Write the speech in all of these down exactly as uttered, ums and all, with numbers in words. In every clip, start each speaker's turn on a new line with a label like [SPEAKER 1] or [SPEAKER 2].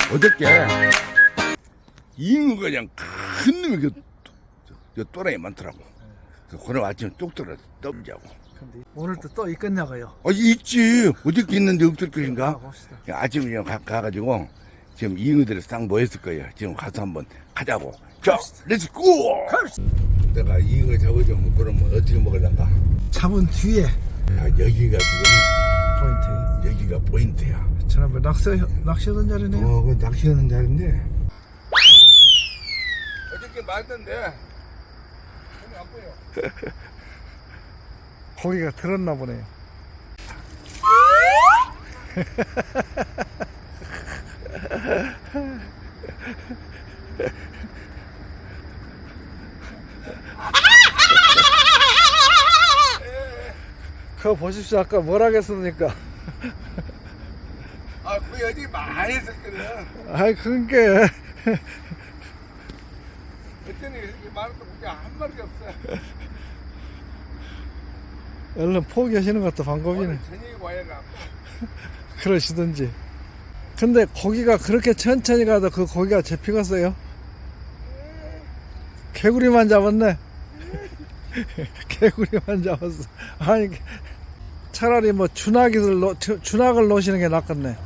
[SPEAKER 1] 어저께 잉어가 그냥 큰 놈이 그, 그 또라이 많더라고. 그래서 오늘 아침에 뚝 떨어져 떠보자고.
[SPEAKER 2] 근데 오늘도 또 있겠냐고요?
[SPEAKER 1] 아, 있지. 어저께 있는데 없을 것인가?
[SPEAKER 2] 아, 봅시다.
[SPEAKER 1] 아침에 그냥 가, 가가지고 지금 잉어들이 싹 모였을 거예요. 지금 가서 한번 가자고. 자, 렛츠고! 내가 잉어 잡아주면 그러면 어떻게 먹을란가?
[SPEAKER 2] 잡은 뒤에
[SPEAKER 1] 야, 여기가 지금
[SPEAKER 2] 포인트.
[SPEAKER 1] 여기가 포인트야.
[SPEAKER 2] 지난번 낚시 낚시하던 자리네요.
[SPEAKER 1] 어, 그 낚시하는 자리인데. 어저께 말던데. 손이 안 보여.
[SPEAKER 2] 고기가 들었나 보네요. 그거 보십시오. 아까 뭐라 했습니까?
[SPEAKER 1] 아, 그 여지 많이 했었거든.
[SPEAKER 2] 아이 그러니까
[SPEAKER 1] 그때는 이렇게 말했던 게 한 마리 없어.
[SPEAKER 2] 얼른 포기하시는 것도 방법이네.
[SPEAKER 1] 오늘 저녁에 와야 나.
[SPEAKER 2] 그러시든지. 근데 고기가 그렇게 천천히 가도 그 고기가 잡히겠어요? 개구리만 잡았네. 개구리만 잡았어. 아니 차라리 뭐 주낙을 놓 주낙을 놓으시는 게 낫겠네.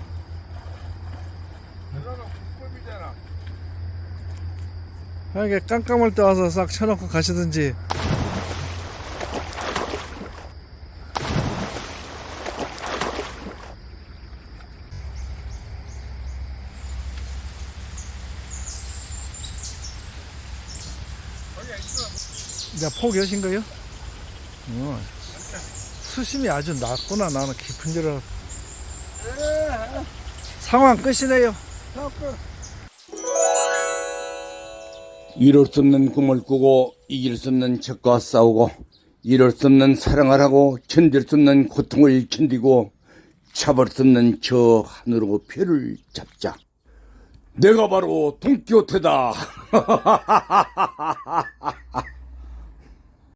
[SPEAKER 1] 그러면 국밥이잖아.
[SPEAKER 2] 이게 깜깜할 때 와서 싹 쳐놓고 가시든지. 이제 포기하신 거요? 어. 수심이 아주 낮구나. 나는 깊은 줄 알았어. 상황 끝이네요.
[SPEAKER 1] 이룰 수 없는 꿈을 꾸고 이길 수 없는 적과 싸우고 이룰 수 없는 사랑을 하고 견딜 수 없는 고통을 견디고 잡을 수 없는 저 하늘로 표를 잡자. 내가 바로 돈키호테다.